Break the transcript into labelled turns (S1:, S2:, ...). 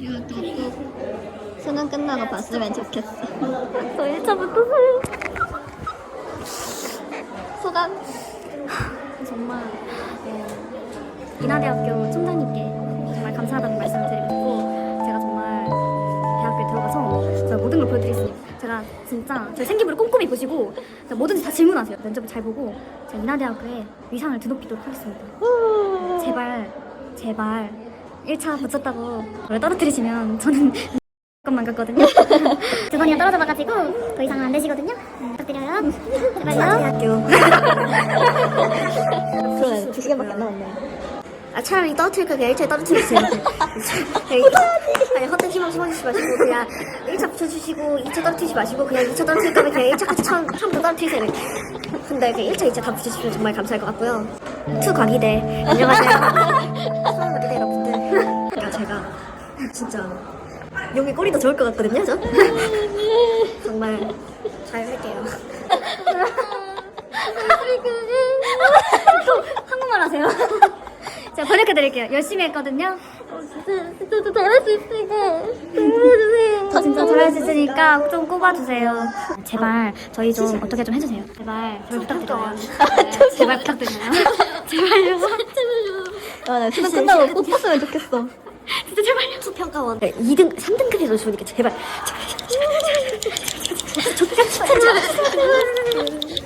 S1: 이것도 꼭 수능 끝나고 봤으면 좋겠어.
S2: 저 1차부터 소요.
S1: 소감?
S2: 정말 인하대학교 총장님께 정말 감사하다는 말씀을 드리고 싶고, 제가 정말 대학교에 들어가서 제가 모든 걸 보여드리겠습니다. 제가 진짜 제 생기부를 꼼꼼히 보시고 뭐든지 다 질문하세요. 면접을 잘 보고 제가 인하대학교에 위상을 드높이도록 하겠습니다. 제발 1차 붙였다고 저를 떨어뜨리시면 저는 것만 같거든요. 두 번이나 떨어져봐가지고 더 이상은 안 되시거든요. 부탁드려요. 제발요. 대학교.
S1: 그러네. 2시간밖에 안 남았네.
S2: 차라리 떨어뜨릴 거 그냥 1차에 떨어뜨리세요. 아니 헛된 희망 심어주시지 마시고 그냥 1차 붙여주시고 2차 떨어뜨리지 마시고 그냥 2차 떨어뜨릴 거면 그냥 1차까지 처음부터 떨어뜨리세요. 근데 그 1차, 2차 다 붙여주시면 정말 감사할 것 같고요. 투과기대 안녕하세요. 서울과기대 여러분들. 그러니까 제가 진짜 여기 꼬리도 좋을 것 같거든요, 저? 정말 잘 할게요. 또 한국말 하세요. 제가 번역해드릴게요. 열심히 했거든요.
S1: 진짜 잘할 수 있으니까 도와주세요.
S2: 저 진짜 잘할 수 있으니까 좀 꼽아주세요. 제발 저희 좀 어떻게 좀 해주세요. 제발 부탁드려요. 제발 부탁드려요. 제발요.
S1: 아, 나 수능 끝나고 꼭 봤으면 좋겠어.
S2: 진짜 제발요. 수평가원 2등, 3등급에서 좋으니까 제발. 제발.